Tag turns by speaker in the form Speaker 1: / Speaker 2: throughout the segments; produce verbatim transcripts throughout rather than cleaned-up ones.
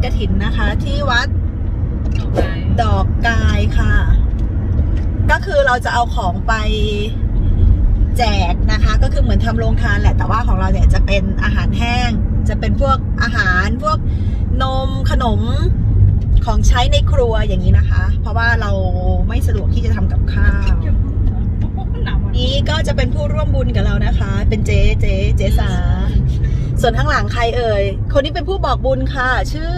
Speaker 1: กฐินนะคะที่วัดดอกกายค่ะก็คือเราจะเอาของไปแจกนะคะก็คือเหมือนทำโรงทานแหละแต่ว่าของเราเนี่ยจะเป็นอาหารแห้งจะเป็นพวกอาหารพวกนมขนมของใช้ในครัวอย่างนี้นะคะเพราะว่าเราไม่สะดวกที่จะทำกับข้าวนี้ก็จะเป็นผู้ร่วมบุญกับเรานะคะเป็นเจ๊เจ๊เจ๊สาส่วนข้างหลังใครเอ่ยคนนี้เป็นผู้บอกบุญค่ะชื่อ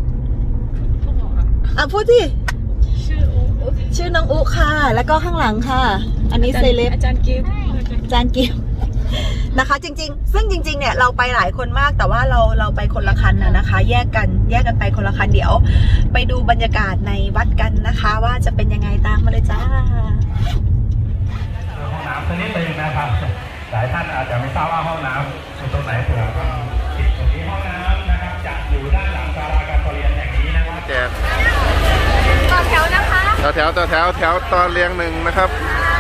Speaker 1: อ่ะพูดสิชื่ออุชื่อน้องอุค่ะแล้วก็ข้างหลังค่ะอันนี้เซเลบอาจารย์กิฟอาจารย์กิฟนะคะจริงๆซึ่งจริงๆเนี่ยเราไปหลายคนมากแต่ว่าเราเราไปคนละคันนะนะคะแยกกันแยกกันไปคนละคันเดี๋ยวไปดูบรรยากาศในวัดกันนะคะว่าจะเป็นยังไงตามมาเลยจ้า
Speaker 2: ห้องน้ำตรงนี้เป็นนะครับหลายท่านอาจจะไม่ทราบว่าห้องน้ำอยู่ตรงไหนเผื่อก็ติดตรงนี้ห้องน้ำนะครับจะอยู่ด้านหลังศาลาการประเรียนแห่งนี้นะครับ
Speaker 3: แจกต่อแถวนะคะต่อแถวต่อแถวแถวตอนเรียงหนึ่งนะครับ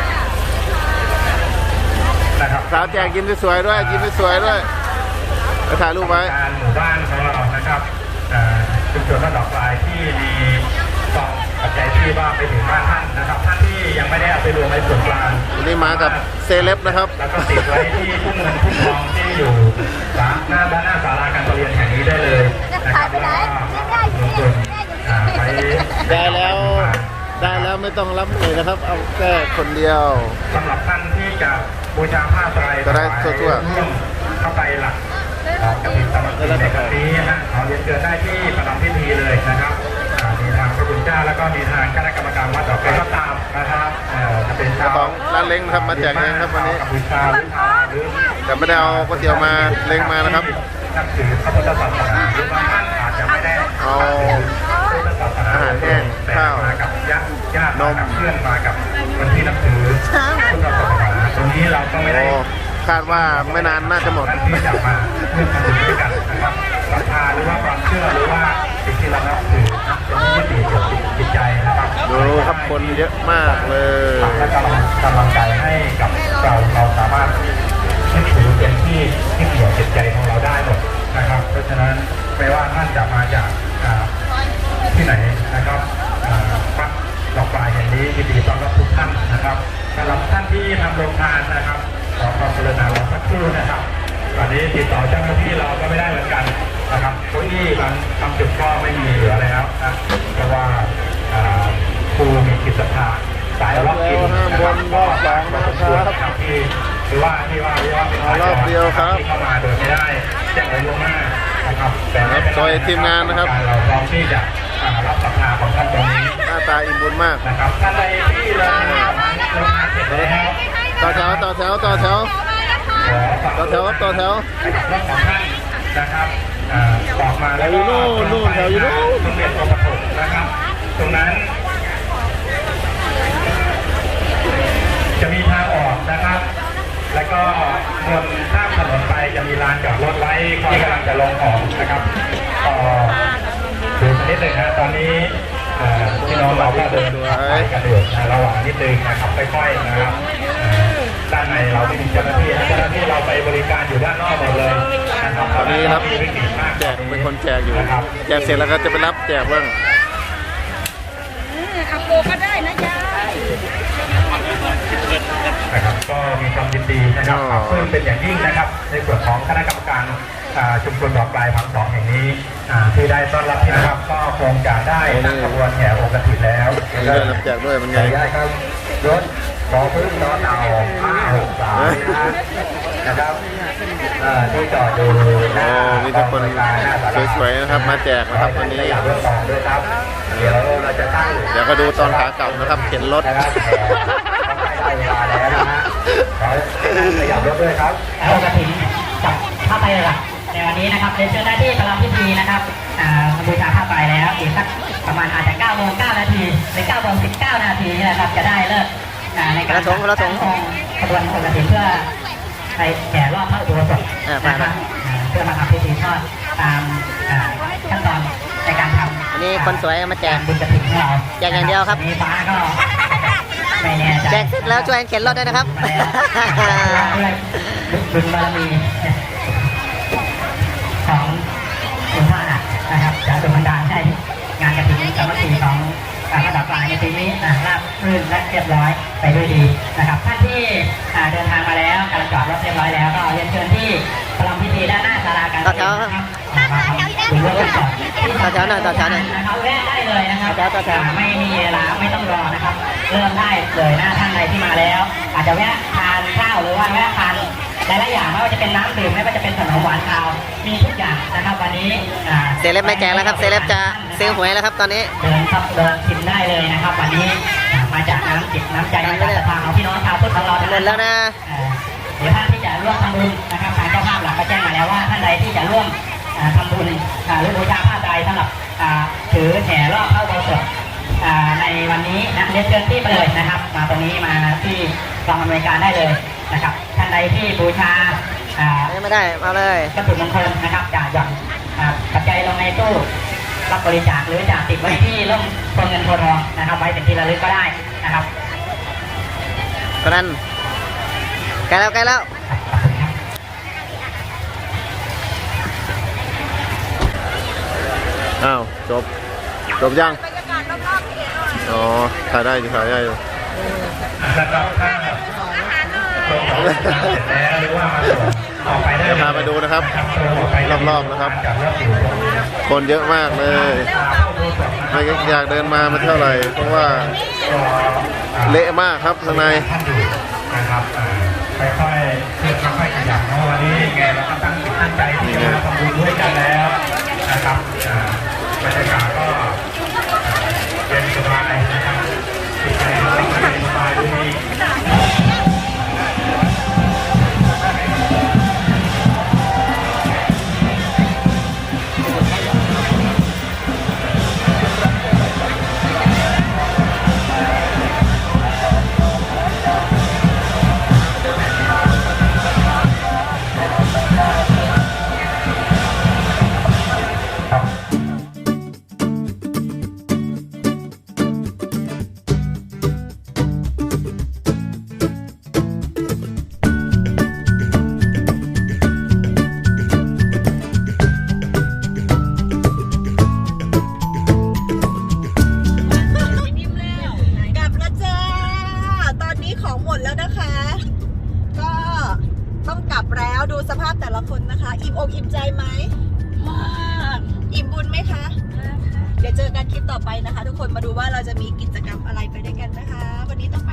Speaker 2: นะครับ
Speaker 3: สาวแจกยิ้มสวยด้วยยิ้มสวยด้วยไปถ่ายรูปไว้
Speaker 2: การหมู่บ้านของเรานะครับชุมชนบ้านดอกลายที่มีกองปัจจัยที่ว่าไปถึงบ้านท่านนะครับท่านที่ยังไม่ได้เอาไปรวมในส่วนกลาง
Speaker 3: วันนี้มากับเซเลบนะครับ
Speaker 2: แล้วก็ติดไว้ที่ทุ่งเงินทุ่งทองที่อยู่หน้าด้านหน้าศาลาการประเรียนแห่งนี้ได้เลยนะครับแล้วก็ลงทุนไป
Speaker 3: ได้แล้วได้แล้วไม่ต้องรับเลยนะครับเอาแค่คนเดียว
Speaker 2: สำหรับท่านที่จะบูชาผ้าไตร
Speaker 3: จะได้ทั่ว
Speaker 2: ๆเข้าไปหลักกระถิ่นสามัคคีในครั้งนี้นะขอเรียนเชิญได้ที่ประจำพิธีเลยนะครับมีทางพระคุณเจ้าแล้วก็มีทางคณะกรรมการวัดดอกไม้ก็ตามนะครับจะเป็นชาว
Speaker 3: ของร้านเล้งครับมาแจกเองครับวันนี้
Speaker 2: บูชาหรือทาหรือ
Speaker 3: แต่ไม่ได้เอาก๋วยเตี๋ยวมาเล้งมานะครับ
Speaker 2: นับถือพระพุทธศาสนาหรือบางท่านอาจจะไม่ได้
Speaker 3: เอาอาหารแห้งข้าว
Speaker 2: มากับญาติญาตินมเพื่อนมากับคนที่นับถือพุทธศาสนาตรงนี้เราก็ไม่ได้
Speaker 3: คาดว่าไม่นานน่าจะหมด
Speaker 2: ที่จะมาเพื่อทำบุญด้วยกันนะครับศรัทธาหรือว่าความเชื่อหรือว่าสิ่งที่เรานับถือเป็นที่ดีเกี่ยวกับจิตใจนะครับ
Speaker 3: ดูครับคนเยอะมากเลย
Speaker 2: และกำลังกำลังใจให้กับเราเราสามารถยึดถือเป็นที่ที่เกี่ยวจิตใจของเราได้หมดนะครับเพราะฉะนั้นไม่ว่าท่านจะมาจากที่ไหนนะครับวัดดอกปลายแห่งนี้ยินดีต้อนรับทุกท่านนะครับสำหรับท่านที่ทำโรงทานนะครับขอความกรุณาเราสักครู่นะครับตอนนี้ติดต่อเจ้าหน้าที่เราก็ไม่ได้เหมือนกันนะครับเก้าอี้บางบางจุดก็ไม่มีเหลือแล้วนะเพราะว่าครูมีกิจศรัทธาสายล็อกอินนะครับก็สองนะครับที่หรือว่าที่ว่าที่ว่าเป็นร
Speaker 3: อบเดียวครับ
Speaker 2: ที่เข้ามาโดยไม่ได้แจ้งไว้ล่วงหน้านะครับแต่ไม่เป็นไร
Speaker 3: ทีมงานนะครับ
Speaker 2: เราพร้อมที่จะรับศรัทธาของท่านตรงนี้
Speaker 3: หน้าตาอิ่มบุญมาก
Speaker 2: นะครับท่านใดที่เราลงมาเสร็จแล้ว
Speaker 3: ต่อแถวต่อแถวต่อแถวต่อแถวต่อแถว
Speaker 2: รถของท่านนะครับออกมาแล้วก็
Speaker 3: นู่นแถวอยู่นู่น
Speaker 2: โรงเรียนตัวประถมนะครับตรงนั้นจะมีทางออกนะครับแล้วก็บนข้ามถนนไปจะมีลานจอดรถไว้ที่กำลังจะลงออกนะครับต่อดูสักนิดหนึ่งนะตอนนี้พี่น้องเราก็เดินไปกันอยู่ระหว่างนิดนึงนะครับค่อยๆนะครับด้านในเราไม่มีเจ้าหน้าที่เจ้าหน้าที่เราไปบริการอยู่ด้านนอกหมดเลยนะครับ
Speaker 3: ตอนนี้ครับแจกเป็นคนแจกอยู่แจกเสร็จแล้วก็จะไปรับแจกบ้าง
Speaker 1: ขับโบก็ได้นะยาย
Speaker 2: นะครับก็มีความยินดีนะครับเพิ่มเป็นอย่างยิ่งนะครับในส่วนของคณะกรรมการชุมชนดอกปลายพังสองแห่งนี้ที่ได้ต้อนรับที่นะครับก็คงจะได้ตั้งขบวนแห่องค์กฐินแล้ว
Speaker 3: ได้รับแจกด้วยมันไง
Speaker 2: ได้ครับรถขอพึ่งต่อเต่าห้าหกสามนะครับที่จอดอยู่หน้า
Speaker 3: มีทุกคนสวยๆนะครับมาแจกนะครับวันนี้
Speaker 2: ด้วยครับเดี๋ยวเราจะตั้ง
Speaker 3: เดี๋ยวก็ดูตอนขากลับนะครับเข็นรถ
Speaker 2: นะครับได้เวลาแล้วนะฮะขอขยับรถด้วยครับ
Speaker 4: องค์กฐินกับผ้าไตรหลักในวันนี้นะครับเรียนเชิญได้ที่ประลำพิธีนะครับบูชาผ้าไตรแล้วอีกสักประมาณอาจจะเก้าโมงเก้านาทีหรือเก้าโมงสิบเก้านาทีนะครับจะได้เลิกในการตั้งองค์ขบวนองค์กฐินเพื่อไปแห่รอบพระอุโบสถนะครับเพื่อมาทำพิธีทอดตามขั้นตอนในการทำ
Speaker 5: อันนี้คนสวยมาแจก
Speaker 4: บุญกฐินของเรา
Speaker 5: แจกอย่างเดียวครับ
Speaker 4: มีฟ้าก็ไม่แน่ใจ
Speaker 5: แจกเสร็จแล้วช่วยเข็นรถด้วยนะครับ
Speaker 4: บุญบารมีของคุณพ่อนะครับจะดลบันดาลให้งานกฐินสามัคคีของการระดับกลางในปีนี้อ่าราบรื่นและเรียบร้อยไปด้วยดีนะครับท่านที่อ่าเดินทางมาแล้วกำลังจอดรถเรียบร้อยแล้วก็เรียนเชิญที่ประลำพิธีด้านหน้าศาลาการประเรียนนะครับอ่ามาทำบุญร่วมกันก่อนที่
Speaker 5: ต่อแถวหน่อยต่อแถวหน่อย
Speaker 4: นะครับแวะได้เลยนะครับ
Speaker 5: ต่อแถวต่อแถว
Speaker 4: อ่าไม่มีเวลาไม่ต้องรอนะครับ เริ่มได้เลยนะท่านใดที่มาแล้ว อาจจะแวะทานข้าวหรือว่าแวะทานหลายๆอย่างไม่ว่าจะเป็นน้ำดื่มไม่ว่าจะเป็นขนมหวานคาวมีทุกอย่างนะครับวันนี้อ่า
Speaker 5: เซเลบไม่แจกแล้วครับเซเลบจะซื้อหวยแล้วครับตอนนี้
Speaker 4: เดินครับเดินชิมได้เลยนะครับ วันนี้อ่ามาจากน้ำจิตน้ำใจมาจากศรัทธาของพี่น้องชาวพุทธของเรา
Speaker 5: หมดแล้วนะ
Speaker 4: อ่าเดี๋ยวท่านที่จะร่วมทำบุญนะครับทางเจ้าภาพหลักก็แจ้งมาแล้วว่าท่านใดที่จะร่วมอ่าทำบุญอ่าหรือบูชาผ้าไตรสำหรับอ่าถือแห่รอบพระอุโบสถอ่าในวันนี้นะเรียนเชิญที่ไปเลยนะครับ มาตรงนี้มาที่กองอำนวยการได้เลยนะครับท่านใดที่บูชาอ่า
Speaker 5: ยังไม่ได้มาเลย
Speaker 4: วัตถุมงคลนะครับจะหย่อนอ่าปัจจัยลงในตู้รับบริจาคหรือจะติดไว้ที่ร่มโพเงินโพทองนะครับ ไว้เป็นที่ระลึกก็ได้นะครับ
Speaker 5: กรันใกล้แล้วใกล้แล้ว
Speaker 3: อ้าวจบจบยังอ๋อถ่ายได้อยู่ถ่ายได้อยู่
Speaker 2: นะครับถ้าตรงของเสร็จแล้วหรือว่ามาส่งออกไปได้
Speaker 3: เดี๋ยวพาไปดูนะครับ รอบๆนะครับ คนเยอะมากเลยไม่อยากเดินมาไม่เท่าไหร่เพราะว่าเละมากครับข้างใน
Speaker 2: ท่านอยู่นะครับอ่าค่อยๆเพื่อค่อยๆขยับเนาะวันนี้แกเราก็ตั้งจิตตั้งใจที่จะมาทำบุญด้วยกันแล้วนะครับอ่าบรรยากาศก็อ่าเย็นสบายนะครับจิตใจเราก็เย็นสบายด้วยดี
Speaker 1: กลับแล้วจ้า ตอนนี้ของหมดแล้วนะคะ ก็ต้องกลับแล้วดูสภาพแต่ละคนนะคะ อิ่มอกอิ่มใจไหมมากอิ่มบุญไหมคะเดี๋ยวเจอกันคลิปต่อไปนะคะ ทุกคนมาดูว่าเราจะมีกิจกรรมอะไรไปด้วยกันนะคะ วันนี้ต้อง